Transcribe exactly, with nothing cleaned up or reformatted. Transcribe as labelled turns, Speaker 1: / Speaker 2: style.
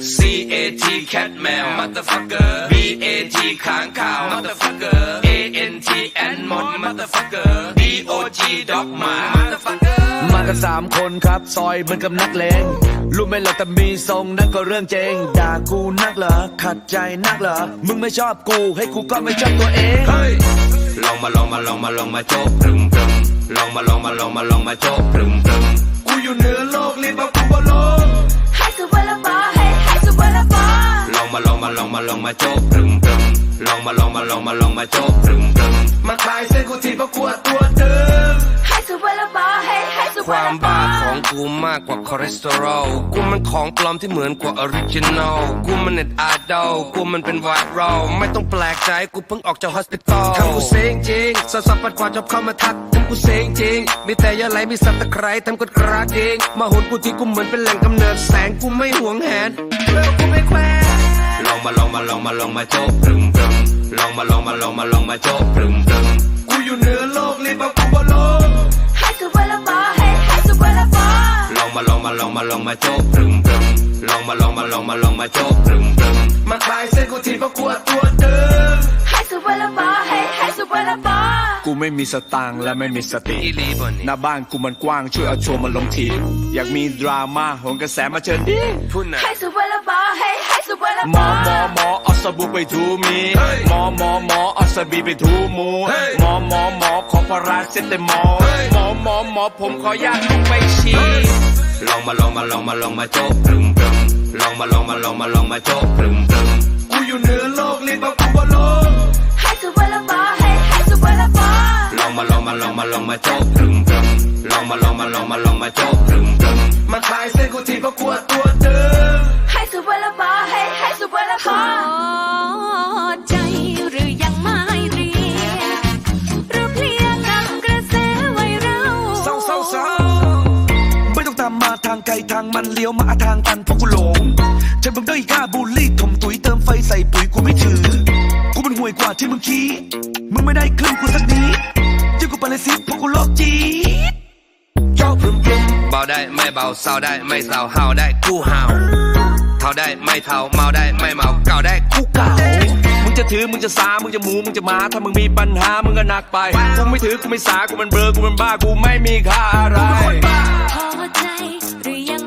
Speaker 1: C A T cat แมว motherfucker B A T ค้างข่าว motherfucker A N T ant มด motherfucker D O G dog หมา motherfucker
Speaker 2: มากันสามคนครับซอยเหมือนกับนักเลงรู้ไหมล่ะแต่มีทรงนั่นก็เรื่องจริงด่ากูนักเหรอขัดใจนักเหรอมึงไม่ชอบกูให้กูก็ไม่ชอบตัวเองเฮ้ย
Speaker 1: ลองมาลองมาลองมาลองมาโจ๊กพรึมพรึมลองมาลองมาลองมาลองมาโจ๊กพรึมพรึม
Speaker 2: กูอยู่เหนือโลกรีบเอากูบอลง
Speaker 3: ให้สุดวันละบอให้ให้สุดวันละบอ
Speaker 1: ลองมาลองมาลองมาลองมาโจ๊กพรึมพรึมลองมาลองมาลองมาลองมาโจ๊กพรึมพรึม
Speaker 2: มาคลายเส้นกูทีเพราะกลัวตัวเดิม
Speaker 3: ให้สุดวันละบอให้ให้สุด
Speaker 1: ควา
Speaker 3: วันละบอ
Speaker 1: มบ้าของกูมากกว่าคอเลสเตอรอลกูมันของปลอมที่เหมือนกว่าออริจินอลกูมันเน็ตไอดอลกูมันเป็นไวรัลไม่ต้องแปลกใจกูเพิ่งออกจากฮอสพิทอลทำกูเซ็งจริงสาวสาวปัดกวาดชอบเข้ามาทักทำกูเซ็งจริงมีแต่ยาไหลมีสับตะไคร้ทำกดกระดิ่งมาหุนกูที่กูเหมือนเป็นแหล่งกำเนิดแสงกูไม่หวงแหนเลิกกูไม่แควลองมาลองมาลองมาลองมาโจ๊กพรึมพรึมลองมาลองมาลองมาลองมาโจ๊กพรึมพรึม
Speaker 2: กูอยู่เหนือโลกรีบเอากูบอลง
Speaker 3: ให้สุดวันละบอให้ให้สุดวันละบอ
Speaker 1: ลองมาลองมาลองมาลองมาโจ๊กพรึมพรึมลองมาลองมาลองมาลองมาโจ๊กพรึมพรึม
Speaker 2: มาคลายเส้นกูทีเพราะกลัวตัวเดิม
Speaker 3: ให้สุดวันละบอให้ให้สุดวันละบอ
Speaker 2: กูไม่มีสตางค์และไม่มีสติหน้าบ้านกูมันกว้างช่วยเอาโชว์มาลงทีอยากมีดราม่าโหนกระแสมาเชิญดิ
Speaker 1: พูดนะ
Speaker 3: ให้สุดวันละบอให้ให้สุดวันละ
Speaker 2: บ
Speaker 3: อ
Speaker 2: หมอหมอหมอเอาสบู่ไปถูมีหมอหมอหมอเอาสบีไปถูหมูหมอหมอหมอขอพาราเซตามอลหมอหมอหมอผมขออยากลงไปฉี่
Speaker 1: ลองมาลองมาลองมาลองมาโจ๊กพรึมพรึมลองมาลองมาลองมาลองมาโจ๊กพรึมพรึม
Speaker 2: กูอยู่เหนือโลกรีบเอากูบอลง
Speaker 3: ให้สุดวันละบอให้ให้สุดวันละบอ
Speaker 1: ลองมาลองมาลองมาลองมาโจ๊กพรึมพรึมลองมาลองมาลองมาลองมาโจ๊กพรึมพรึม
Speaker 2: มาคลายเส้นกูทีเพราะกลัวตัวเดิม
Speaker 3: ให้สุดวันละบอให้ให้สุดวันละบอใจหรือยังไม่เรียหรือเพลียกับกระแสไวรัล
Speaker 2: เศร้าเศร้าเศร้าไม่ต้องตามมาทางไกลทางมันเลี้ยวมาทางตันเพราะกูหลงฉันบังได้กล้าบูลลี่ถมตุ๋ยเติมไฟใส่ปุ๋ยกูไม่ถือกูมันห่วยกว่าที่มึงคิดมึงไม่ได้ครึ่งกูสักนิดยิ่งกูปาเลสิเพราะกูโลกจีดเจ้าพรึมพรึม
Speaker 1: เบาได้ไม่เบาเศร้าได้ไม่เศร้าเฮาได้กูเฮาเท่าได้ไม่เท่าเมาได้ไม่เมาเก่าได้กูเก่า
Speaker 2: มึงจะถือมึงจะสามึงจะหมูมึงจะมาถ้ามึงมีปัญหามึงก็หนักไปกูไม่ถือกูไม่สากูมันเบลอกูมันบ้ากูไม่มีค่าอะไร
Speaker 3: พอใจหรือยัง